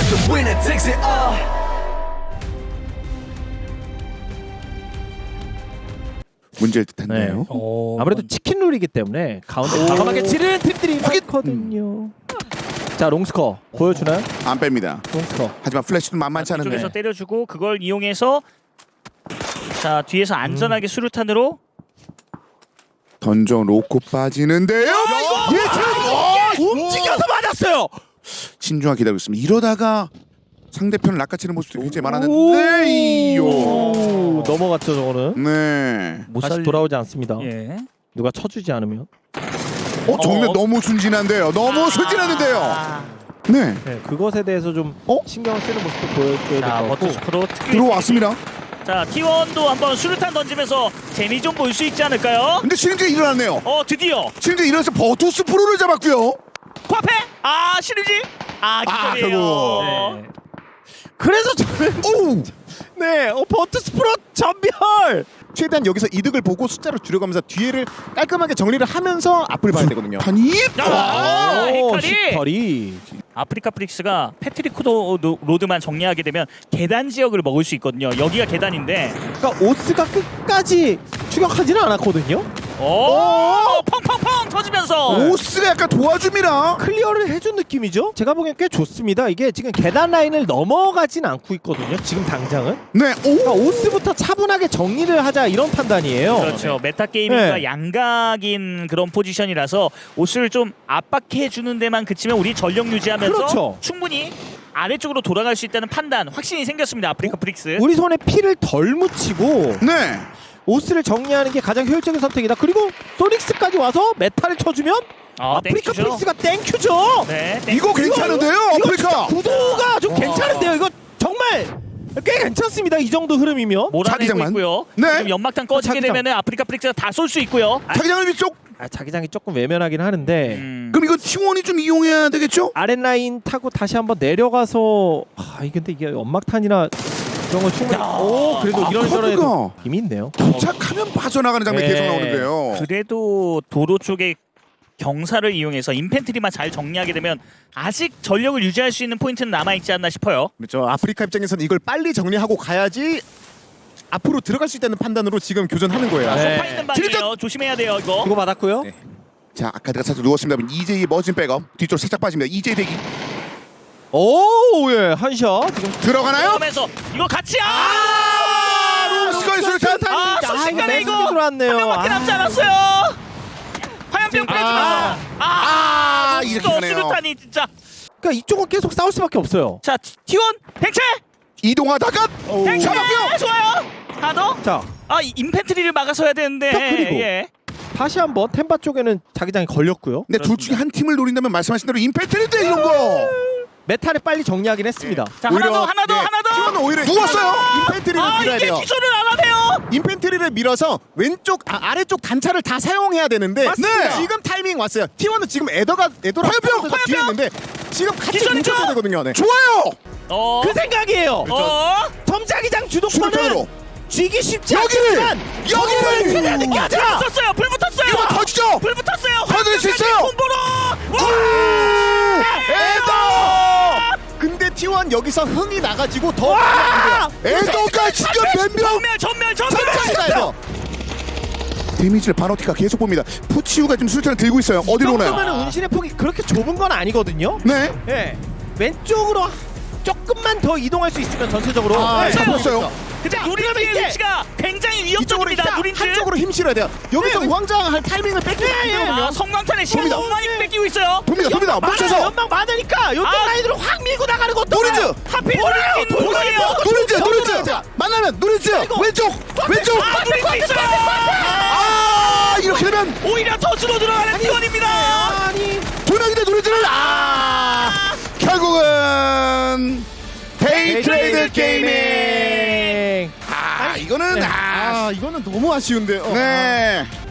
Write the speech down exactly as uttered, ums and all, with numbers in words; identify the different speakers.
Speaker 1: the winner takes it all.
Speaker 2: 문제일 듯한데요.
Speaker 3: 어,
Speaker 4: 아무래도 치킨 룰이기 때문에 가운데 과감하게 찌르는 팀들이 많거든요. 자 롱스커 보여주나요?
Speaker 2: 안 뺍니다.
Speaker 4: 롱스커.
Speaker 2: 하지만 플래시도 만만치 않은데.
Speaker 3: 쪽에서 때려주고 그걸 이용해서 자 뒤에서 안전하게 수류탄으로
Speaker 2: 던져 놓고 빠지는데요.
Speaker 4: 예, 움직여서 맞았어요.
Speaker 2: 신중하게 기다리고 있습니다. 이러다가 상대편을 낚아채는 모습도 굉장히 많았는데 이요.
Speaker 4: 오, 넘어갔죠 저거는.
Speaker 2: 네.
Speaker 3: 못
Speaker 4: 다시
Speaker 3: 살리-
Speaker 4: 돌아오지 않습니다.
Speaker 3: 예.
Speaker 4: 누가 쳐주지 않으면.
Speaker 2: 어 정면
Speaker 3: 어.
Speaker 2: 너무 순진한데요. 너무 순진한데요.
Speaker 3: 아.
Speaker 2: 네.
Speaker 4: 네, 그것에 대해서 좀
Speaker 2: 어?
Speaker 4: 신경을 쓰는 모습도 보여줘야 될
Speaker 3: 자
Speaker 4: 것 같고.
Speaker 3: 버투스프로 특유
Speaker 2: 들어왔습니다.
Speaker 3: 자 티원도 한번 수류탄 던지면서 재미 좀 볼 수 있지 않을까요?
Speaker 2: 근데 시리즈가 일어났네요.
Speaker 3: 어 드디어
Speaker 2: 시리즈 일어나서 버투스 프로를 잡았고요.
Speaker 3: 코앞에 아 시리즈 아
Speaker 2: 아,
Speaker 3: 기절이에요.
Speaker 2: 결국.
Speaker 3: 네.
Speaker 4: 그래서 저는
Speaker 2: 오!
Speaker 4: 네, 어, 버투스 프로 전멸.
Speaker 5: 최대한 여기서 이득을 보고 숫자를 줄여가면서 뒤에를 깔끔하게 정리를 하면서 앞을 봐야 되거든요.
Speaker 2: 판이
Speaker 3: 아,
Speaker 4: 오,
Speaker 3: 헤카리!
Speaker 4: 히카리.
Speaker 3: 아프리카 프릭스가 패트릭 코도 로드만 정리하게 되면 계단 지역을 먹을 수 있거든요. 여기가 계단인데
Speaker 4: 그러니까 오스가 끝까지 추격하지는 않았거든요.
Speaker 3: 오 펑펑펑 터지면서
Speaker 2: 오스가 약간 도와줍니다.
Speaker 4: 클리어를 해준 느낌이죠. 제가 보기엔 꽤 좋습니다. 이게 지금 계단 라인을 넘어가진 않고 있거든요. 지금 당장은.
Speaker 2: 네.
Speaker 4: 그러니까
Speaker 2: 오.
Speaker 4: 오스부터 차분하게 정리를 하자 이런 판단이에요.
Speaker 3: 그렇죠. 메타 게이밍과
Speaker 4: 네.
Speaker 3: 양각인 그런 포지션이라서 오스를 좀 압박해 주는 데만 그치면 우리 전력 유지하면서
Speaker 4: 그렇죠.
Speaker 3: 충분히 아래쪽으로 돌아갈 수 있다는 판단 확신이 생겼습니다. 아프리카 프릭스.
Speaker 4: 우리 손에 피를 덜 묻히고
Speaker 2: 네.
Speaker 4: 오스를 정리하는 게 가장 효율적인 선택이다. 그리고 소닉스까지 와서 메타를 쳐주면
Speaker 3: 아,
Speaker 4: 아프리카
Speaker 3: 땡큐죠.
Speaker 4: 프릭스가 땡큐죠.
Speaker 3: 네.
Speaker 2: 이거 괜찮은데요,
Speaker 4: 이거
Speaker 2: 아프리카.
Speaker 4: 구도가 좀
Speaker 3: 와.
Speaker 4: 괜찮은데요. 이거 정말 꽤 괜찮습니다. 이 정도 흐름이면.
Speaker 3: 몰아내고
Speaker 2: 자기장만.
Speaker 3: 있고요.
Speaker 2: 네.
Speaker 3: 지금 연막탄 꺼지게
Speaker 4: 자기장.
Speaker 3: 되면은 아프리카 프릭스가 다 쏠 수 있고요. 아,
Speaker 2: 자기장을 위쪽.
Speaker 4: 아, 자기장이 조금 외면하긴 하는데
Speaker 3: 음.
Speaker 2: 그럼 이거 티원이 좀 이용해야 되겠죠?
Speaker 4: 아랫라인 타고 다시 한번 내려가서 아 이게 근데 이게 연막탄이나 그런 거 충분히
Speaker 3: 야.
Speaker 4: 오 그래도
Speaker 2: 아,
Speaker 4: 이런저런
Speaker 2: 커브가.
Speaker 4: 힘이 있네요.
Speaker 2: 도착하면 빠져나가는 장면이
Speaker 4: 네.
Speaker 2: 계속 나오는데요.
Speaker 3: 그래도 도로 쪽에 경사를 이용해서 인펜트리만 잘 정리하게 되면 아직 전력을 유지할 수 있는 포인트는 남아있지 않나 싶어요.
Speaker 5: 그렇죠. 아프리카 입장에서는 이걸 빨리 정리하고 가야지 앞으로 들어갈 수 있다는 판단으로 지금 교전하는 거예요.
Speaker 4: 네.
Speaker 3: 소파 있는 방이에요. 조심해야 돼요 이거.
Speaker 4: 그거 받았고요.
Speaker 5: 네.
Speaker 2: 자, 아카드가 살짝 누웠습니다. 이제이의 멋진 백업. 뒤쪽으로 살짝 빠집니다. 이제이 대기.
Speaker 4: 오예 한샷 지금
Speaker 2: 들어가나요?
Speaker 3: 그러면서 이거 같이 아!
Speaker 2: 아, 스카이 술탄.
Speaker 3: 아,
Speaker 4: 아,
Speaker 3: 순식간에
Speaker 4: 이거
Speaker 3: 이거
Speaker 4: 매섭게 들어왔네요.
Speaker 3: 한 명밖에
Speaker 4: 아.
Speaker 3: 남지 않았어요. 화염병 빼주면서 아,
Speaker 2: 아, 이렇게
Speaker 3: 또
Speaker 2: 가네요.
Speaker 3: 수류탄이 진짜.
Speaker 4: 그러니까 이쪽은 계속 싸울 수밖에 없어요.
Speaker 3: 자 티원 댕체
Speaker 2: 이동하다가
Speaker 3: 댕체
Speaker 2: 잡았고요.
Speaker 3: 좋아요. 하나 더.
Speaker 4: 자
Speaker 3: 아 이 인펜트리를 막아서야 되는데.
Speaker 4: 자, 그리고.
Speaker 3: 예.
Speaker 4: 다시 한번 템바 쪽에는 자기장이 걸렸고요.
Speaker 2: 근데 둘 중에 한 팀을 노린다면 말씀하신 대로 임팩트인데 이런 거.
Speaker 4: 메타를 빨리 정리하긴 했습니다.
Speaker 3: 자 하나
Speaker 2: 오히려,
Speaker 3: 더 하나 더
Speaker 5: 네.
Speaker 3: 하나 더.
Speaker 5: 티원은 오히려
Speaker 2: 누웠어요.
Speaker 5: 인펜트리를
Speaker 3: 아
Speaker 5: 밀어야
Speaker 3: 이게
Speaker 5: 돼요.
Speaker 3: 기술을 안 하네요.
Speaker 5: 인펜트리를 밀어서 왼쪽 아, 아래쪽 단차를 다 사용해야 되는데
Speaker 2: 맞습니다.
Speaker 5: 지금 타이밍 왔어요. 티원은 지금 에더가 에더랑
Speaker 2: 화염병,
Speaker 5: 화염병 뒤에 있는데 지금 같이
Speaker 3: 기술이죠?
Speaker 5: 뭉쳐줘야 되거든요. 네.
Speaker 2: 좋아요.
Speaker 3: 어.
Speaker 4: 그 생각이에요.
Speaker 3: 어.
Speaker 4: 점자기장
Speaker 2: 수류탄으로.
Speaker 4: 주도권은 쥐기 쉽지
Speaker 2: 여기를!
Speaker 4: 않지만
Speaker 2: 여기를!
Speaker 4: 최대한
Speaker 3: 불
Speaker 4: 느껴자.
Speaker 3: 붙었어요. 불 붙었어요.
Speaker 2: 이거 터지죠.
Speaker 3: 불 붙었어요.
Speaker 2: 터질 수 있어요.
Speaker 3: 콤보로.
Speaker 2: 에더.
Speaker 5: 근데 티원 여기서 흥이 나가지고 더
Speaker 2: 에더가 진짜 몇 명.
Speaker 3: 전멸 전멸 전멸.
Speaker 5: 가야 돼요.
Speaker 2: 데미지를 바노티가 계속 봅니다. 푸치우가 지금 수류탄을 들고 있어요. 어디로 오나요?
Speaker 4: 그러면 운신의 폭이 그렇게 좁은 건 아니거든요.
Speaker 2: 네.
Speaker 4: 예. 왼쪽으로 조금만 더 이동할 수 있으면 전체적으로
Speaker 5: 아,
Speaker 4: 네.
Speaker 2: 잡혔어요.
Speaker 3: 근데
Speaker 4: 자,
Speaker 3: 누린지의
Speaker 4: 그러면 이게-
Speaker 3: 위치가 굉장히
Speaker 5: 이쪽으로
Speaker 3: 위협적입니다.
Speaker 5: 일단
Speaker 3: 누린지.
Speaker 5: 한쪽으로 힘 실어야 돼요. 여기서 우왕좌왕 할 타이밍을 뺏기면 안
Speaker 3: 아,
Speaker 5: 되거든요.
Speaker 3: 성광탄의 시간
Speaker 2: 돕니다.
Speaker 3: 너무 많이 뺏기고 있어요.
Speaker 2: 돕니다. 돕니다.
Speaker 4: 많아요.
Speaker 2: 멈춰서.
Speaker 4: 연막 많으니까 요쪽
Speaker 3: 아.
Speaker 4: 라인으로 확 밀고 나가는 것도
Speaker 2: 노리즈.
Speaker 3: 하필
Speaker 4: 돌아요,
Speaker 3: 누린지
Speaker 4: 돌아요.
Speaker 3: 누구예요?
Speaker 2: 노리즈.
Speaker 4: 저거
Speaker 2: 노리즈.
Speaker 4: 저거.
Speaker 2: 만나면 노리즈. 왼쪽. 왼쪽.
Speaker 3: 아 누린지 있어요.
Speaker 2: 아, 이렇게 되면
Speaker 3: 오히려 더 줄어 들어가는 티원입니다.
Speaker 4: 아니
Speaker 2: 두 명인데 노리즈를 아. 결국은 데이트레이드 게이밍. 아, 이거는 아.
Speaker 5: 아 이거는 너무 아쉬운데요.
Speaker 2: 네.